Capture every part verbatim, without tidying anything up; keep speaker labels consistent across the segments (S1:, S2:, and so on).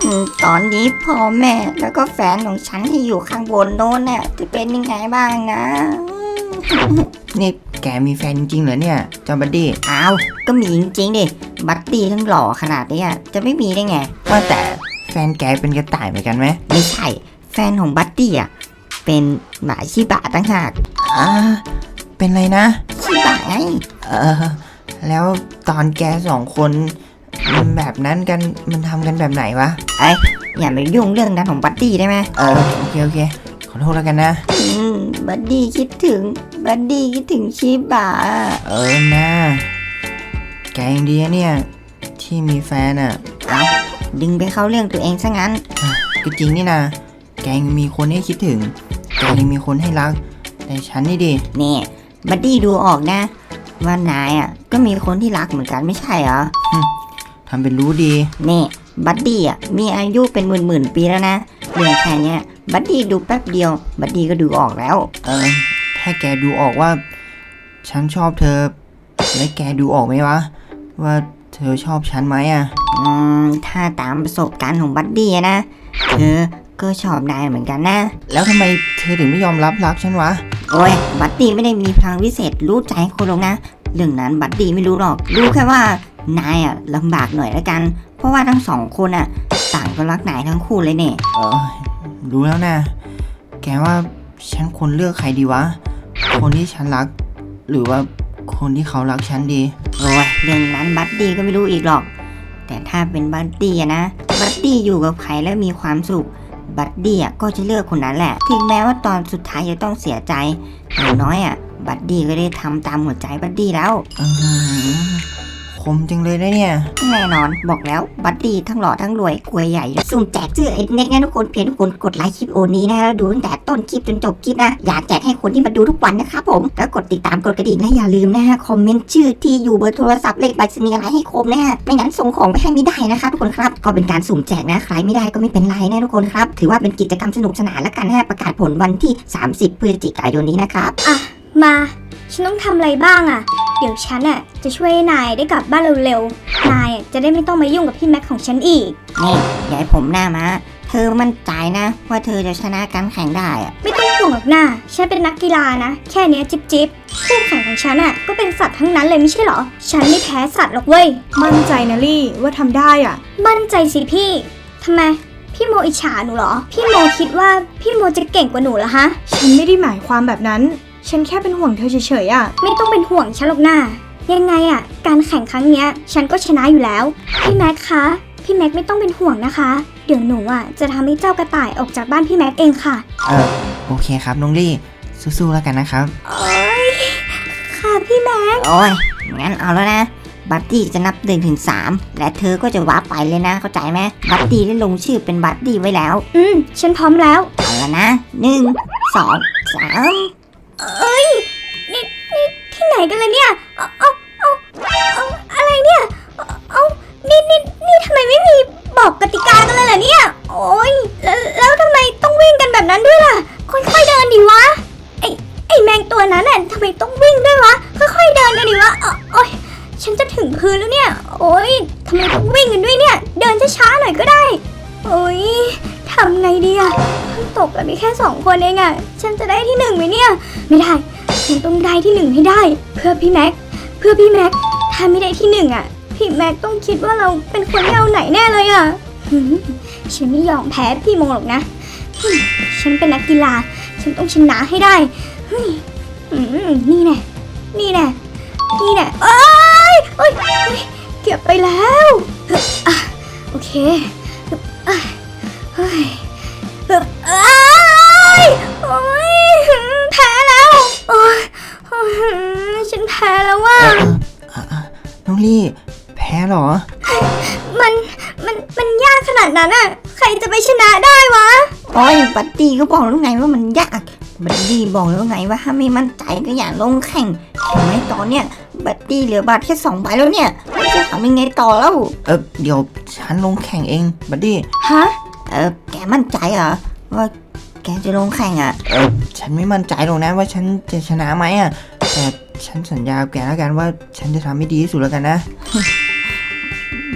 S1: ตอนนี้พ่อแม่แล้วก็แฟนของฉันที่อยู่ข้างบนโน้นเนี่ยจะเป็นยังไงบ้างนะ
S2: นี่แกมีแฟนจริงเหรอเนี่ยเจ้าบัดดี้
S1: อ้าวก็มีจริงๆดิบัดดี้ทั้งหล่อขนาดนี้จะไม่มีได้ไง
S2: ว่าแต่แฟนแกเป็นกระต่ายเหมือนกันไหม
S1: ไม่ใช่แฟนของบัดดี้อ่ะเป็นหมาชิบะตั้งหาก
S2: อ่าเป็นไรนะ
S1: ชิบะไง
S2: เออแล้วตอนแกสองคนมันแบบนั้นกันมันทำกันแบบไหนวะ
S1: ไอ้อย่าไปยุ่งเรื่องนั้นของบัดดี้ได้ไหม
S2: เออโอเคโอเคขอโทษแล้วกันนะ
S1: อืมบัดดี้คิดถึงบัดดี้คิดถึงชิบะ
S2: เออนะแกยังดีเนี่ยที่มีแฟนอ่ะ
S1: เอ้าดึงไปเข้าเรื่องตัวเองซะงั้น
S2: ก็จริงนี่นะแกยังมีคนให้คิดถึงแกยังมีคนให้รักแต่ฉันนี่ดิ
S1: นี่บัดดี้ดูออกนะว่านายอ่ะก็มีคนที่รักเหมือนกันไม่ใช่เหรอ
S2: ทำเป็นรู้ดี
S1: นี่บัดดี้อ่ะมีอายุเป็นหมื่นหมื่นปีแล้วนะเรื่องแค่นี้บัดดี้ดูแป๊บเดียวบัดดี้ก็ดูออกแล้ว
S2: เออถ้าแกดูออกว่าฉันชอบเธอแล้วแกดูออกไหมวะว่าเธอชอบฉันไหมอ่ะ
S1: อืมถ้าตามประสบการณ์ของบัดดี้นะเธอก็ชอบนายเหมือนกันนะ
S2: แล้วทำไมเธอถึงไม่ยอมรับรักฉันวะ
S1: โอ้ยบัดดี้ไม่ได้มีพลังวิเศษรู้ใจคนหรอกนะเรื่องนั้นบัดดี้ไม่รู้หรอกรู้แค่ว่านายอ่ะลำบากหน่อยละกันเพราะว่าทั้งสองคนอ่ะต่างก็รักนายทั้งคู่เลยเนี่ย
S2: เออรู้แล้วนะแกว่าฉันควรเลือกใครดีวะคนที่ฉันรักหรือว่าคนที่เขารักฉันดี
S1: โอ้ยเรื่องนั้นบัดดี้ก็ไม่รู้อีกหรอกแต่ถ้าเป็นบัดดี้นะบัดดี้อยู่กับใครแล้วมีความสุขบัดดี้อ่ะก็จะเลือกคนนั้นแหละถึงแม้ว่าตอนสุดท้ายจะต้องเสียใจอย่างน้อยอ่ะบัดดี้ก็ได้ทำตามหัวใจบัดดี้แล้ว
S2: คมจังเลยนะเนี่ย
S1: แน่นอนบอกแล้วบัดดี้ทั้งหล่อทั้งรวยกวยใหญ่สุ่มแจกเสื้อไอ้เน็กนะทุกคนเพียงทุกคนกดไลค์คลิปโอนี้นะแล้วดูตั้งแต่ต้นคลิปจนจบคลิปนะอยากแจกให้คนที่มาดูทุกวันนะครับผมแล้วกดติดตามกดกระดิ่งนะอย่าลืมนะฮะคอมเมนต์ชื่อที่อยู่เบอร์โทรศัพท์เลขบัตรสนีอะไรให้ครบนะฮะไม่งั้นส่งของไปให้ไม่ได้นะคะทุกคนครับก็เป็นการสุ่มแจกนะใครไม่ได้ก็ไม่เป็นไรนะทุกคนครับถือว่าเป็นกิจกรรมสนุกสนานแล้วกันนะประกาศผลวันที่สามสิบพฤศจิกายนนี้นะครับ
S3: อ่ะมาฉันต้องทำอะไรบ้างอ่ะเดี๋ยวฉันอ่ะจะช่วยนายได้กลับบ้านเร็วๆนายจะได้ไม่ต้องมายุ่งกับพี่แม็กของฉันอีก
S1: นี่ยายผมหน้ามาเธอมั่นใจนะว่าเธอจะชนะการแข่งได้อ่ะ
S3: ไม่ต้องห่วงหรอกนะฉันเป็นนักกีฬานะแค่นี้จิ๊บจิ๊บคู่แข่งของฉันอ่ะก็เป็นสัตว์ทั้งนั้นเลยไม่ใช่หรอฉันไม่แพ้สัตว์หรอกเว้ย
S4: มั่นใจนะลี่ว่าทำได้อ่ะ
S3: มั่นใจสิพี่ทำไมพี่โมอิจฉาหนูเหรอพี่โมคิดว่าพี่โมจะเก่งกว่าหนูเหรอฮะ
S4: ฉันไม่ได้หมายความแบบนั้นฉันแค่เป็นห่วงเธอเฉยๆอ่ะ
S3: ไม่ต้องเป็นห่วงฉันหรอกนะยังไงอ่ะการแข่งครั้งเนี้ยฉันก็ชนะอยู่แล้วพี่แม็กคะพี่แม็กไม่ต้องเป็นห่วงนะคะเดี๋ยวหนูอ่ะจะทำให้เจ้ากระต่ายออกจากบ้านพี่แม็กเองค่ะ
S2: เออโอเคครับน้องลี่สู้ๆแล้วกันนะครับ
S3: โอ้ยค่ะพี่แม็ก
S1: โอ้ยงั้นเอาแล้วนะบัดดี้จะนับหนึ่งถึงสามและเธอก็จะวาร์ปไปเลยนะเข้าใจไหมบัดดี้ได้ลงชื่อเป็นบัดดี้ไว้แล้ว
S3: อืมฉันพร้อมแล้ว
S1: เอาแล้วนะหนึ่งสองสาม
S3: เอ้ยนี่นี่ที่ไหนกันล่ะเนี่ยเอาเอาเอาเอาอะไรเนี่ยเอานี่นี่นี่ทำไมไม่มีบอกกติกากันเลยล่ะเนี่ยโอ้ยแล้วแล้วทำไมต้องวิ่งกันแบบนั้นด้วยล่ะค่อยๆเดินดิวะไอไอแมงตัวนั้นน่ะทำไมต้องวิ่งด้วยวะค่อยๆเดินกันดิวะโอ้ยฉันจะถึงพื้นแล้วเนี่ยโอ้ยทำไมต้องวิ่งกันด้วยเนี่ยเดินช้าๆหน่อยก็ได้โอ้ยทำไงดีอะตกกันมีแค่สองคนเองอะฉันจะได้ที่หนึ่งไหมเนี่ยไม่ได้ฉันต้องได้ที่หนึ่งให้ได้เพื่อพี่แม็กเพื่อพี่แม็กถ้าไม่ได้ที่หนึ่งอะพี่แม็กต้องคิดว่าเราเป็นคนไม่เอาไหนแน่เลยอะฉันไม่ยอมแพ้พี่โมหรอกนะฉันเป็นนักกีฬาฉันต้องชนะให้ได้นี่แน่นี่แน่นี่แน่เอ้ยเอ้ยเก็บไปแล้วโอเคเฮ้ยเอ้ยโอ้ยแพ้แล้วโอ้ยฉันแพ้แล้วว่ะ
S2: น้องลี่แพ้เหรอ
S3: มันมันมันยากขนาดนั้นอ่ะใครจะไปชนะได้วะ
S1: โอ้ยบัดดี้ก็บอกแล้วไงว่ามันยากบัดดี้บอกแล้วไงว่าถ้าไม่มั่นใจก็อย่าลงแข่งเห็นไหมตอนเนี้ยบัดดี้เหลือบัตรแค่สองใบแล้วเนี่ยจะทำยังไงต่อแล้ว
S2: เออเดี๋ยวฉันลงแข่งเองบัดดี้
S3: ฮะ
S1: เออแกมั่นใจเหรอว่าแกจะลงแข่งอ่ะ
S2: เออฉันไม่มั่นใจหรอกนะว่าฉันจะชนะไหมอ่ะแต่ฉันสัญญาแกแล้วกันว่าฉันจะทำให้ดีที่สุดแล้วกันนะ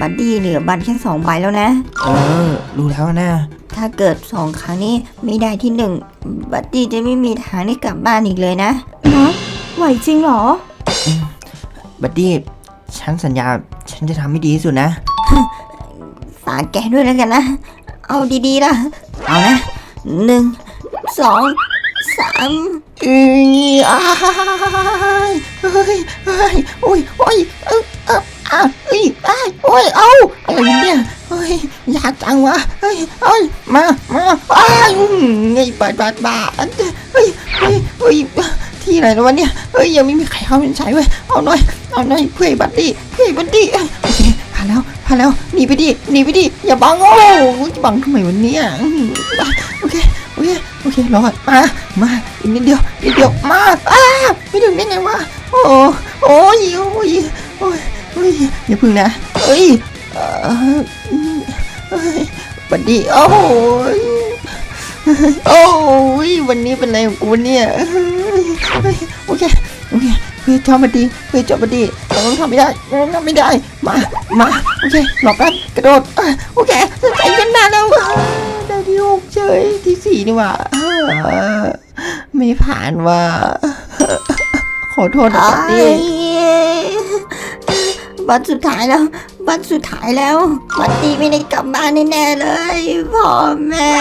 S1: บัดดี้เหลือบัตรแค่สองใบแล้วนะ
S2: เออ รู้แล้วนะ
S1: ถ้าเกิดสองครั้งนี้ไม่ได้ที่หนึ่งบัดดี้จะไม่มีทางได้กลับบ้านอีกเลยนะ
S4: แม็กไหวจริงเหรอ
S2: บัดดี้ ฉันสัญญา ฉันจะทำให้ดีที่สุดนะ
S1: ฝากแกด้วยแล้วกันนะ เอาดีๆล่ะ เอานะหนึ่งสองสามเอ้ยอ้ายเฮ้ยเฮ้ยโอ้ยโอ้ยเออเอออ่ะเอ้ยอ้ายโอ้ยเอาอะไรเนี่ยเฮ้ยยากจังวะเฮ้ยเฮ้ยมามาอ้ายอืมไงบาดบาดบาดเฮ้ยเฮ้ยเฮ้ยที่ไหนแล้ววะเนี่ยเฮ้ยยังไม่มีใครเข้าเป็นใช้เว้ยเอาหน่อยเอาหน่อยเพื่อบัดดี้เพื่อบัดดี้โอเคผ่านแล้วผ่านแล้วหนีไปดิหนีไปดิอย่าบังโอ้จะบังทำไมวันนี้โอเคโอเคโอเครอดมามาอีกนิดเดียวนิดเดียวมาอ้าไม่ถึงได้ไงวะโอ้โอ้ยโอ้ยโอ้ยโอ้ยอย่าพึ่งนะเอ้ยเอ้ยบัดดี้โอ้ยโอ้ยวันนี้เป็นอะไรของกูเนี่ยโอเคโอเคเพื่อจอบัดดี้เพื่อจอบัดดี้เราต้องทำไม่ได้เราต้องทำไม่ได้มามาโอเคหลอกกันกระโดดโอเคใจกันนานแล้วได้ที่หกเฉยที่สี่นี่ว่าไม่ผ่านว่าขอโทษนะบัดดี้บัตรสุดท้ายแล้วบัตรสุดท้ายแล้วบัดดี้ไม่ได้กลับบ้านแน่ๆเลยพ่อแม่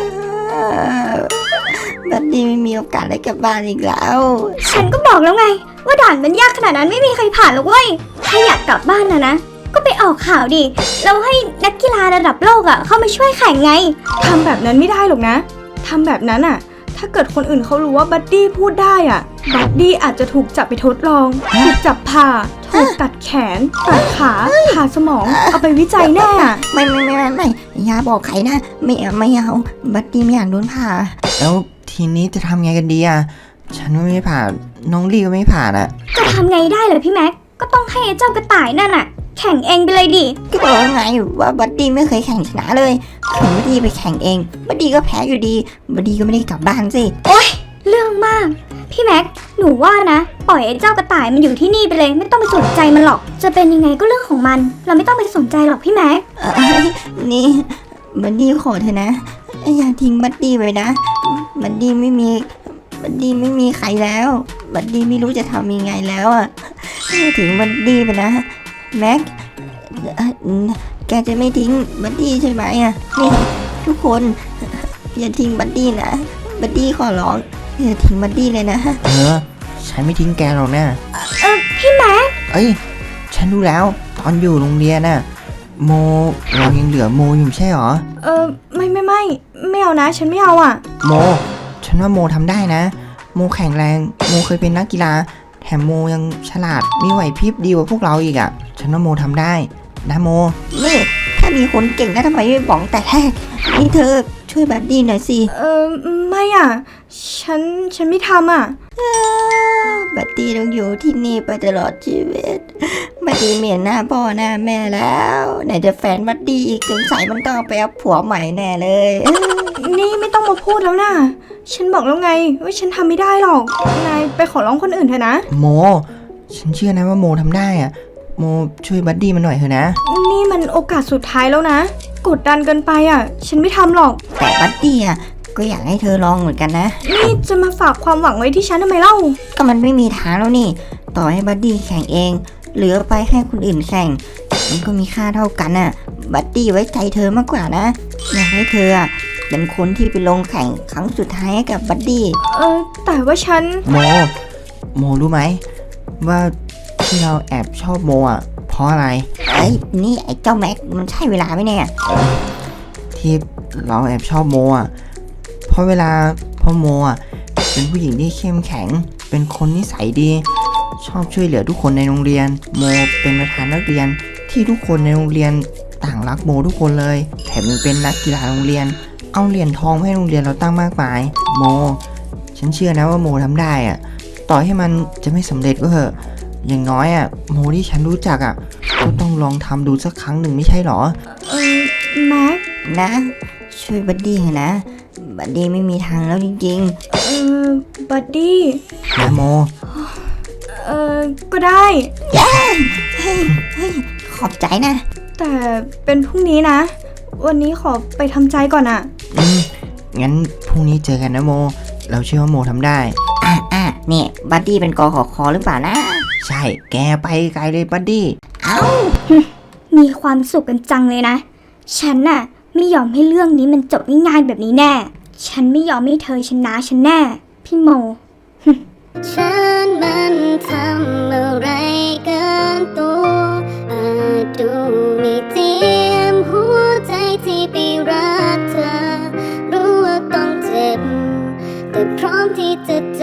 S1: บัดดี้ไม่มีโอกาสได้กลับบ้านอีกแล้ว
S3: ฉันก็บอกแล้วไง ว่าด่านมันยากขนาดนั้นไม่มีใครผ่านหรอกเว้ย ถ้าอยากกลับบ้านนะนะ ก็ไปออกข่าวดิแล้วให้นักกีฬาระดับโลกอ่ะเข้ามาช่วยแข่งไง
S4: ทำแบบนั้นไม่ได้หรอกนะ ทำแบบนั้นอะถ้าเกิดคนอื่นเขารู้ว่าบัดดี้พูดได้อะบัดดี้อาจจะถูกจับไปทดลอง ถูกจับผ่า ถูกตัดแขน ตัดขาผ่าสมอง เอาไปวิจัยแน่อะ
S1: ไม่ไม่ไม่ไม่ไม่อย่าบอกใครนะไม่เอาไม่เอาบัดดี้ไม่อยากโดนผ่า
S2: แล้วทีนี้จะทำไงกันดีอ่ะ ฉันก็ไม่ผ่าน น้องลี่ก็ไม่ผ่านอ่ะ
S3: จะทำไงได้เลยพี่แม็ก ก็ต้องให้ไอ้เจ้ากระต่ายนั่นอ่ะ แข่งเองไปเลยดิ
S1: ก็บอกแล้วไงว่าบัดดี้ไม่เคยแข่งชนะเลยถึงบัดดี้ไปแข่งเองบัดดี้ก็แพ้อยู่ดีบัดดี้ก็ไม่ได้กลับบ้านสิ
S3: เรื่องมาก พี่แม็ก หนูว่านะ ปล่อยไอ้เจ้ากระต่ายมันอยู่ที่นี่ไปเลย ไม่ต้องไปสนใจมันหรอก จะเป็นยังไงก็เรื่องของมัน เราไม่ต้องไปสนใจหรอกพี่แม็ก
S1: เอ้ยนี่บัดดี้ขอเถอะนะอย่าทิ้งบัดดี้ไว้นะบัดดี้ไม่มีบัดดี้ไม่มีใครแล้วบัดดี้ไม่รู้จะทำยังไงแล้วอ่ะถึงบัดดี้ไปนะแม็กเอ่อแกจะไม่ทิ้งบัดดี้ใช่ไหมอ่ะนี่ทุกคนอย่าทิ้งบัดดี้นะบัดดี้ขอร้องอย่าทิ้งบัดดี้เลยนะ
S2: เออ ฉันไม่ทิ้งแกหรอกนะ
S3: เออพี่แม็ก
S2: เอ้ย ฉันรู้แล้ว ตอนอยู่โรงเรียนน่ะ โมเรายังเหลือโมอยู่ไม่ใช่หรอ
S4: เออไม่ไม่ไม่ไม่เอานะ ฉันไม่เอาอะ
S2: โม ฉันว่าโมทำได้นะ โมแข็งแรง โมเคยเป็นนักกีฬา แถมโมยังฉลาด มีไหวพริบดีกว่าพวกเราอีกอ่ะ ฉันว่าโมทำได้ นะโม
S1: นี่ถ้ามีคนเก่งนะทำไมไม่บอกแต่แรกนี่เธอช่วยบัดดี้หน่อยสิ
S4: เออไม่อะฉันฉันไม่ทำอะ
S1: บัดดี้ต้องอยู่ที่นี่ไปตลอดชีวิตบัดดี้เหมียนหน้าพ่อหน้าแม่แล้วไหนจะแฟนบัดดี้อีกสงสัยมันต้องไปเอาผัวใหม่แน่เลย
S4: นี่ไม่ต้องมาพูดแล้วนะฉันบอกแล้วไงว่าฉันทำไม่ได้หรอกนายไปขอร้องคนอื่นเถอะนะ
S2: โม ฉันเชื่อนะว่าโมทำได้อ่ะ โมช่วยบัดดี้มันหน่อยเถอะนะ
S4: นี่มันโอกาสสุดท้ายแล้วนะ กดดันเกินไปอ่ะ ฉันไม่ทำหรอก
S1: แต่บัดดี้อ่ะก็อยากให้เธอลองเหมือนกันนะ
S4: นี่จะมาฝากความหวังไว้ที่ฉันทำไมเล่า
S1: ก็มันไม่มีทางแล้วนี่ ต่อให้บัดดี้แข่งเองหรือไปให้คนอื่นแข่ง มันก็มีค่าเท่ากันน่ะ บัดดี้ไว้ใจเธอมากกว่านะ อยากให้เธออ่ะเป็นคนที่ไปลงแข่งครั้งสุดท้ายให้กับบัดดี้
S4: เออแต่ว่าฉัน
S2: โม โมรู้ไหมว่าที่เราแอบชอบโมอ่ะ เพราะอะไร
S1: เอ้ยนี่ไอ้เจ้าแม็กมันใช่เวลาไหมเนี่ย
S2: ที่เราแอบชอบโมอ่ะ เพราะเวลาพ่อโมอ่ะเป็นผู้หญิงที่เข้มแข็ง เป็นคนนิสัยดี ชอบช่วยเหลือทุกคนในโรงเรียน โมเป็นประธานนักเรียนที่ทุกคนในโรงเรียนต่างรักโมทุกคนเลย แถมยังเป็นนักกีฬาโรงเรียน เอาเหรียญทองให้โรงเรียนเราตั้งมากมาย โม ฉันเชื่อนะว่าโมทำได้อ่ะ ต่อให้มันจะไม่สำเร็จก็เถอะ อย่างน้อยอ่ะโมที่ฉันรู้จักอ่ะก็ต้องลองทำดูสักครั้งหนึ่งไม่ใช่หรอ
S4: เออแม็ก
S1: นะ ช่วยบัดดี้เถอะนะ บัดดี้ไม่มีทางแล้วจริง
S4: เออบัดดี้
S2: นะโม
S4: เออก็ได้
S1: ๆ เฮ้ยเฮ้ยขอบใจนะ
S4: แต่เป็นพรุ่งนี้นะ วันนี้ขอไปทำใจก่อนอะ
S2: อืมงั้นพรุ่งนี้เจอกันนะโม เราเชื่อว่าโมทำได้
S1: อ่ะอ่ะนี่บัดดี้เป็นกอขอคอหรือเปล่านะ
S2: ใช่ แกไปไกลเลยบัดดี้
S1: เอ้า
S3: มีความสุขกันจังเลยนะ ฉันน่ะไม่ยอมให้เรื่องนี้มันจบง่ายๆแบบนี้แน่ ฉันไม่ยอมให้เธอชนะฉันแน่ พี่โม
S5: ฉันมันทำอะไรเกินตัวอาจดูไม่เจียมหัวใจที่ไปรักเธอ รู้ว่าต้องเจ็บ แต่พร้อมที่จะ